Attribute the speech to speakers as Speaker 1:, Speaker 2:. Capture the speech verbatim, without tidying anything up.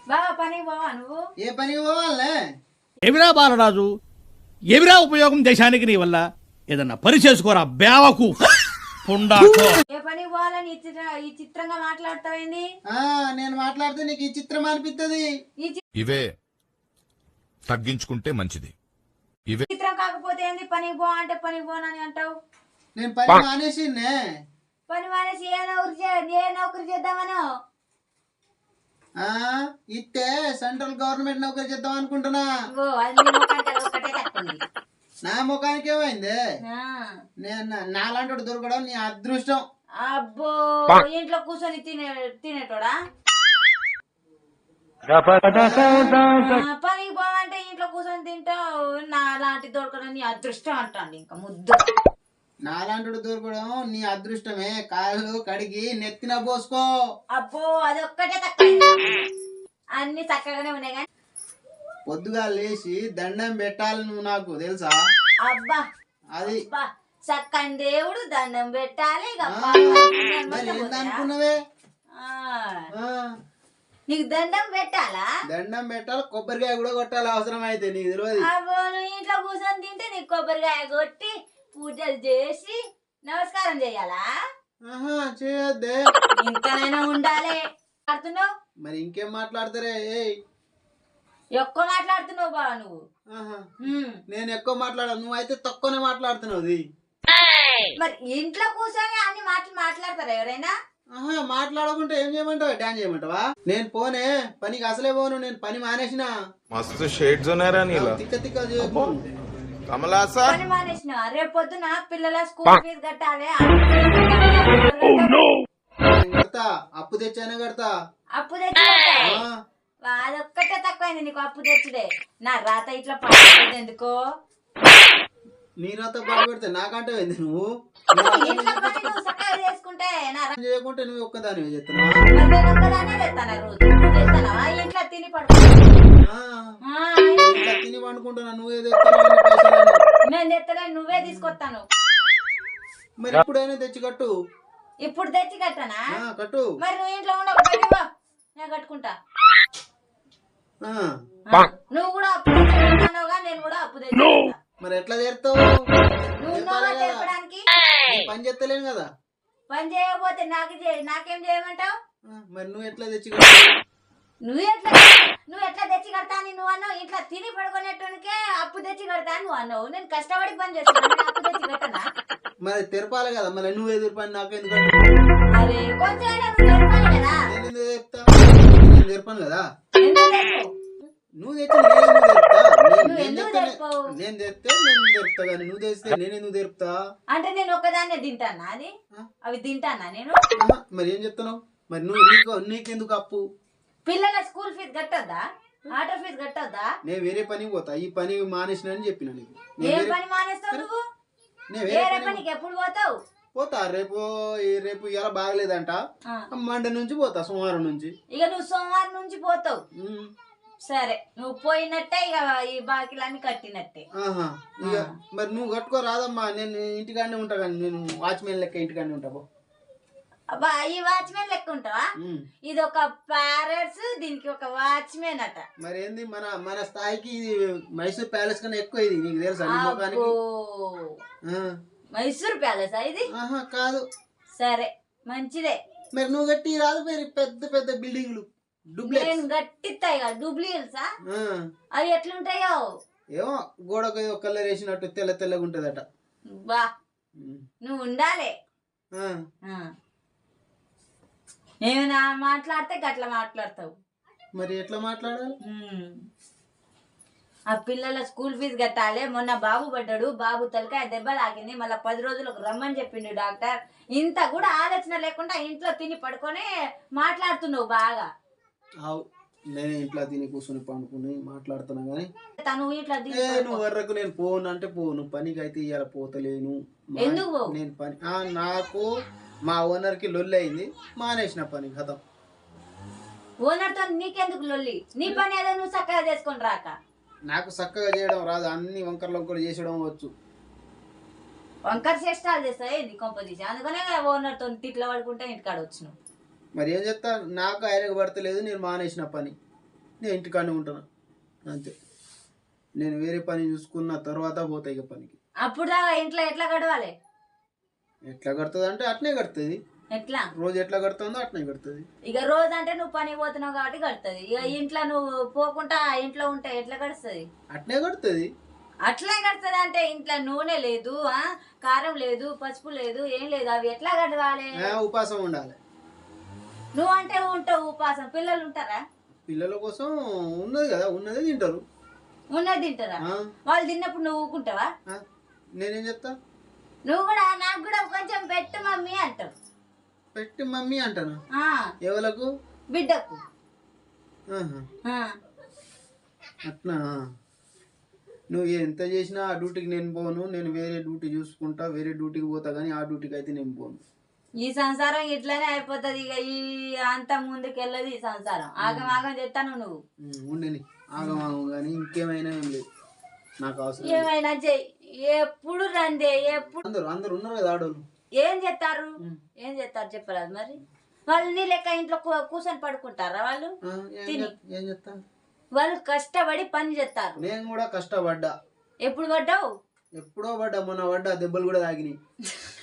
Speaker 1: బావా పని బావా నువ్వు
Speaker 2: ఏ పని పోవాలే?
Speaker 3: ఎవిరా బాలరాజు, ఎవిరా ఉపయోగం దేశానికి నీ వల్ల? ఏదన్నా పని చేసుకోరా బేవకు పుండాకో.
Speaker 1: ఏ పని పోవాలని ఈ చిత్ర ఈ చిత్రంగా మాట్లాడతావేంది?
Speaker 2: ఆ నేను మాట్లాడితే నీకు ఈ చిత్రం అనిపిస్తుంది.
Speaker 1: ఈ చి-
Speaker 4: ఇవే తగ్గించుకుంటే మంచిది. ఇవే
Speaker 1: చిత్రం కాకపోతే ఏంది? పని పో అంటే పని పోనని అంటావు.
Speaker 2: నేను పని మానేసిందే.
Speaker 1: పని మానేసి ఏ నౌకరి చే- ఏ నౌకరి చేద్దామనో.
Speaker 2: ఆ ఇస్తే సెంట్రల్ గవర్నమెంట్ నౌకరీ చేద్దాం అనుకుంటున్నా.
Speaker 1: ఓ అది నీ ముఖానికి అది ఒక్కటే తక్కువంది.
Speaker 2: నా ముఖానికి ఏమైంది?
Speaker 1: ఆ.
Speaker 2: నేను నాలాంటి దొరకడం నీ అదృష్టం.
Speaker 1: అబ్బో ఇంట్లో కూర్చొని తినే తినేటోడా? ఆ, పనికి పోవంటే ఇంట్లో కూర్చొని తింటావు. నా లాంటి దొరకడం నీ అదృష్టం అంటాండి. ఇంకా ముద్దు
Speaker 2: నాలాంటి దొరకడం నీ అదృష్టమే. కాళ్ళు కడిగి నెత్తిన పోసుకో.
Speaker 1: అబ్బో అది ఒక్కటే తక్కువ. అన్ని చక్కగానే ఉన్నాయి కానీ
Speaker 2: పొద్దుగా లేచి దండం పెట్టాలి నువ్వు, నాకు తెలుసా?
Speaker 1: అబ్బా
Speaker 2: అది
Speaker 1: అబ్బా చక్కని దేవుడు దండం పెట్టాలి. ఇక
Speaker 2: ఆ,
Speaker 1: పాలు
Speaker 2: మరి
Speaker 1: తాగుకుంటూ
Speaker 2: ఏందనుకున్నావే?
Speaker 1: ఆ,
Speaker 2: ఆ,
Speaker 1: నీకు దండం పెట్టాలా?
Speaker 2: దండం పెట్టాలి, కొబ్బరికాయ కూడా కొట్టాలి అవసరం అయితే, నీకు తెలియదు.
Speaker 1: అబ్బో నువ్వు ఇంట్లో కూర్చొని తింటే నీకు కొబ్బరికాయ కొట్టి పూజలు చేసి నమస్కారం చేయాలా?
Speaker 2: ఆహా చేయొద్దే.
Speaker 1: ఇంతనైనా ఉండాలి. మాట్లాడుతున్నావు
Speaker 2: మరి ఇంకేం మాట్లాడతారే? ఏయ్,
Speaker 1: ఎక్కువ మాట్లాడుతున్నావు బావ నువ్వు.
Speaker 2: ఆహా,
Speaker 1: హ్మ్.
Speaker 2: నేను ఎక్కువ మాట్లాడాను, నువ్వు అయితే తక్కువనే మాట్లాడుతున్నావు. అది
Speaker 1: మరి ఇంట్లో కూర్చొని అన్ని మాటలు మాట్లాడతారా ఎవరైనా?
Speaker 2: ఆహా, మాట్లాడకుంటే ఏం చేయమంటావా? డాన్స్ చేయమంటావా? నేను పోనే పనికి, అసలే పోను. నేను పని మానేసిన.
Speaker 4: मस्त शेड्स ఉన్నారా నీలా
Speaker 2: తిక్క తిక్క చేయకు.
Speaker 4: కమలాసా
Speaker 1: పని మానేసిన రేపు పొద్దున పిల్లల స్కూల్ ఫీజు కట్టాలి. ఆటో ఫీజు కట్టాలి.
Speaker 2: నేను కడతా, అప్పు తెచ్చానే కడతా.
Speaker 1: అప్పు తెచ్చి కట్టాలి.
Speaker 2: ఆ,
Speaker 1: అదొక్కటే తక్కువైంది నీకు అప్పు తెచ్చుడే. నా రాత ఇట్లా పడుతుంది ఎందుకో.
Speaker 2: నీ నాతో పాటు పెడితే నాకంటే ఏంది నువ్వు?
Speaker 1: ఇంట్లో పని నువ్వు చక్కగా చేసుకుంటే నా రా-
Speaker 2: చేయకుంటే నువ్వు ఒక్కదాని చెప్తున్నావా?
Speaker 1: మరి నేను ఒక్కదాన్నే తెస్తానా రోజు? నువ్వు తెస్తానవా? ఇంట్లో తిని పడుకో.
Speaker 2: ఆ,
Speaker 1: ఆ,
Speaker 2: ఇట్లా తిని పండుకుంటున్నా, నువ్వే తెస్తున్నావు అన్ని పైసలని.
Speaker 1: నేను తెస్తలే, నువ్వే తీసుకొస్తాను.
Speaker 2: మరి ఇప్పుడైనా తెచ్చి కట్టు.
Speaker 1: ఇప్పుడు తెచ్చి కట్టనా?
Speaker 2: ఆ, కట్టు.
Speaker 1: మరి నువ్వు ఇంట్లో ఉండవు బయటికి పో. నేను కట్టుకుంటా.
Speaker 2: ఆ,
Speaker 1: ఆ, నువ్వు కూడా అప్పు తెచ్చి కట్టానోగా, నేను కూడా అప్పు తెచ్చి కడతా.
Speaker 2: మరి ఎట్లా చేస్తావు?
Speaker 1: నువ్వు
Speaker 2: చెప్పాలి
Speaker 1: ఉన్నావా
Speaker 2: కదా.
Speaker 1: తెలపడానికి?
Speaker 2: నేను పని చేస్తలేను కదా.
Speaker 1: పని చేయకపోతే నాకు చేయ నాకేం చేయమంటావు?
Speaker 2: ఆ, మరి నువ్వు ఎట్లా తెచ్చి కట్టు?
Speaker 1: నువ్వు ఎట్లా నువ్వు ఎట్లా తెచ్చి కడతా అని నువ్వు అన్నావు. ఇట్లా తిని పడుకునేటోనికే అప్పు తెచ్చి కడతా అని నువ్వు అన్నావు. నేను కష్టపడి పని చేస్తాను, నేను అప్పు తెచ్చి కట్టనా?
Speaker 2: మరి తెరపాలి కదా. మరి నువ్వే తెరపని నాకెందుకు?
Speaker 1: అరే కొంచెం నువ్వు తెలపాలి కదా.
Speaker 2: నేను ఎందుకు చెప్తా? నేను తెరపను కదా.
Speaker 1: ఎందుకు తెలపవు?
Speaker 2: నువ్వు తెచ్చి నేను ఎందుకు తెరుపుతా? నేను-
Speaker 1: నువ్వు
Speaker 2: నేను
Speaker 1: ఎందుకు
Speaker 2: తెస్తే
Speaker 1: తెలపవు?
Speaker 2: నేను తెస్తే నేను తెరుపుతా, కానీ నువ్వు తెస్తే నేను ఎందుకు తెరుపుతా?
Speaker 1: అంటే నేను ఒక్కదాన్నే తింటానా? అది
Speaker 2: ఆ?
Speaker 1: అవి తింటానా నేను?
Speaker 2: ఆహా, మరి ఏం చెప్తున్నావు? మరి నువ్వు నీకు నీకెందుకు అప్పు?
Speaker 1: పిల్లల స్కూల్ ఫీజు కట్టొద్దా? ఆటో ఫీజు కట్టొద్దా?
Speaker 2: నేను వేరే పనికి పోతా, ఈ పని మానేసిన అని చెప్పిన నీకు. నేను
Speaker 1: ఏ
Speaker 2: వేరే-
Speaker 1: పని మానేస్తావు నువ్వు?
Speaker 2: నేను వేరే
Speaker 1: వేరే
Speaker 2: పని
Speaker 1: పనికి ఎప్పుడు పోతావు?
Speaker 2: పోతా. రేపు ఈ- రేపు ఇలా బాగలేదంట,
Speaker 1: ఆ.
Speaker 2: మండే నుంచి పోతా, సోమవారం నుంచి.
Speaker 1: ఇక నువ్వు సోమవారం నుంచి పోతావు.
Speaker 2: ఉమ్.
Speaker 1: సరే నువ్వు పోయినట్టే ఇక ఈ బాకీలన్నీ కట్టినట్టే.
Speaker 2: ఆహా, ఇక
Speaker 1: ఆ.
Speaker 2: మరి నువ్వు కట్టుకో రాదమ్మా. నేను ఇంటికాడనే ఉంటా, కానీ నేను వాచ్మెన్ లెక్క ఇంటికాడనే ఉంటా. పో.
Speaker 1: అబ్బా ఈ వాచ్మెన్ లెక్క ఉంటావా?
Speaker 2: ఉమ్.
Speaker 1: ఇది ఒక ప్యారెట్స్, దీనికి ఒక వాచ్మెన్ అట.
Speaker 2: మరి ఏంది మన మన స్థాయికి ఇది మైసూర్ ప్యాలెస్ కన్నా ఎక్కువ. ఇది నీకు తెలుసా? నీ ముఖానికి.
Speaker 1: అబ్బో,
Speaker 2: ఆ.
Speaker 1: మైసూర్ ప్యాలెస్ ఇది?
Speaker 2: ఆహా కాదు.
Speaker 1: సరే మంచిదే.
Speaker 2: మరి నువ్వు కట్టి రాదు మరి పెద్ద పెద్ద బిల్డింగ్లు, డూప్లెక్స్.
Speaker 1: నేను గట్టిస్తాయి కదా డూప్లికేట్సా?
Speaker 2: ఆ.
Speaker 1: అవి ఎట్లుంటాయో?
Speaker 2: ఏమో గోడకు ఏదో కలర్ వేసినట్టు తెల్ల తెల్లగా ఉంటదట.
Speaker 1: బా
Speaker 2: ఉమ్.
Speaker 1: నువ్వు ఉండాలి.
Speaker 2: ఆ.
Speaker 1: ఆ. ఏమైనా మాట్లాడితే గట్ల మాట్లాడతావు.
Speaker 2: మరి ఎట్లా మాట్లాడాలి?
Speaker 1: ఉమ్. ఆ పిల్లల స్కూల్ ఫీజు కట్టాలి. మొన్న బాబు పడ్డాడు, బాబు తలకాయ దెబ్బ తాకింది, మళ్ళీ పది రోజులకు రమ్మని చెప్పిండు డాక్టర్. ఇంత కూడా ఆలోచన లేకుండా ఇంట్లో తిని పడుకొని మాట్లాడుతున్నావు బాగా.
Speaker 2: అవు, నేను ఇంట్లో తిని కూర్చొని పండుకుని మాట్లాడుతున్నా కానీ
Speaker 1: తను ఇట్లా తిని
Speaker 2: ఏ
Speaker 1: పడుకో.
Speaker 2: నువ్వు వరకు నేను పోను అంటే పోను. పనికి అయితే ఇవాళ పోతలేను. మా-
Speaker 1: ఎందుకు పోవు?
Speaker 2: నేను పని ఆ, నాకు మా ఓనర్ కి లొల్లి అయింది, మానేసిన పని కథం.
Speaker 1: ఓనర్తో నీకెందుకు లొల్లి? నీ పని ఏదో నువ్వు చక్కగా చేసుకొని రాక.
Speaker 2: నాకు చక్కగా చేయడం రాదు, అన్ని వంకర్లు వంకలు చేసడం వచ్చు.
Speaker 1: వంకర చేష్టాలు చేస్తాయి ఇది కొంపదీసి. అందుకనే ఓనర్తో తిట్ల పడుకుంటే ఇంటికాడ వచ్చినావు.
Speaker 2: మరి ఏం చెప్తా? నాకు ఆయనకు పడతలేదు, నేను మానేసిన పని. నేను ఇంటికాడనే ఉంటాను అంతే. నేను వేరే పని చూసుకున్న తర్వాత పోతా ఇక పనికి.
Speaker 1: అప్పుడు దాకా ఇంట్లో ఎట్లా గడవాలి?
Speaker 2: ఎట్లా కడుతుంది అంటే అట్నే కడుతుంది.
Speaker 1: ఎట్లా?
Speaker 2: రోజు ఎట్లా కడుతుందో అట్నే కడుతుంది.
Speaker 1: ఇక రోజు అంటే నువ్వు పని పోతున్నావు కాబట్టి కడుతుంది. ఇక ఇంట్లో నువ్వు పోకుండా ఇంట్లో ఉంటే ఎట్లా గడుస్తుంది?
Speaker 2: అట్నే కడుతుంది.
Speaker 1: అట్లే కడుతుంది అంటే ఇంట్లో నూనె లేదు, ఆ కారం లేదు, పసుపు లేదు, ఏం లేదు, అవి ఎట్లా గడవాలి?
Speaker 2: ఆ, ఉపాసం ఉండాలి.
Speaker 1: నువ్వు అంటే ఉంటావు ఉపాసం, పిల్లలు ఉంటారా?
Speaker 2: పిల్లల కోసం ఉన్నది కదా, ఉన్నదే తింటారు.
Speaker 1: ఉన్నది తింటారా?
Speaker 2: ఆ,
Speaker 1: వాళ్ళు తిన్నప్పుడు నువ్వు ఊకుంటావా?
Speaker 2: ఆ, నేనేం చెప్తా?
Speaker 1: నువ్వు కూడా నాకు కూడా కొంచెం పెట్టు మమ్మీ అంటావు.
Speaker 2: పెట్టి మమ్మీ అంటాను.
Speaker 1: ఆ
Speaker 2: ఎవలకు?
Speaker 1: బిడ్డకు.
Speaker 2: ఆహా,
Speaker 1: ఆ
Speaker 2: అట్నా? నువ్వు ఎంత చేసినా ఆ డ్యూటీకి నేను పోను. నేను వేరే డ్యూటీ చూసుకుంటా, వేరే డ్యూటీకి పోతా, కానీ ఆ డ్యూటీకి అయితే నేను పోను.
Speaker 1: ఈ సంసారం ఇట్లనే అయిపోతుంది. ఇక ఈ అంత ముందుకు వెళ్ళదు ఈ సంసారం. ఆగం ఆగం చెప్తాను నువ్వు.
Speaker 2: ఉమ్, ఉండని ఆగమాగం కానీ ఇంకేమైనా ఏం లేదు నాకు అవసరం లేదు.
Speaker 1: ఏమైనా చెయ్యి, ఎప్పుడు రందే, ఎప్పుడు
Speaker 2: అందరు అందరు ఉన్నారు కదా ఆడోళ్ళు.
Speaker 1: ఏం చేస్తారు? ఏం చేస్తారు చెప్పరాదు మరి. వాళ్ళు నీ లెక్క ఇంట్లో కూ- కూర్చొని పడుకుంటారా? వాళ్ళు
Speaker 2: ఆ, ఏం
Speaker 1: తిని.
Speaker 2: చెప్- ఏం చెప్తా?
Speaker 1: వాళ్ళు కష్టపడి పని చేస్తారు.
Speaker 2: నేను కూడా కష్టపడ్డా.
Speaker 1: ఎప్పుడు పడ్డావు?
Speaker 2: ఎప్పుడో పడ్డా, మొన్న పడ్డా, దెబ్బలు కూడా తాగినాయి.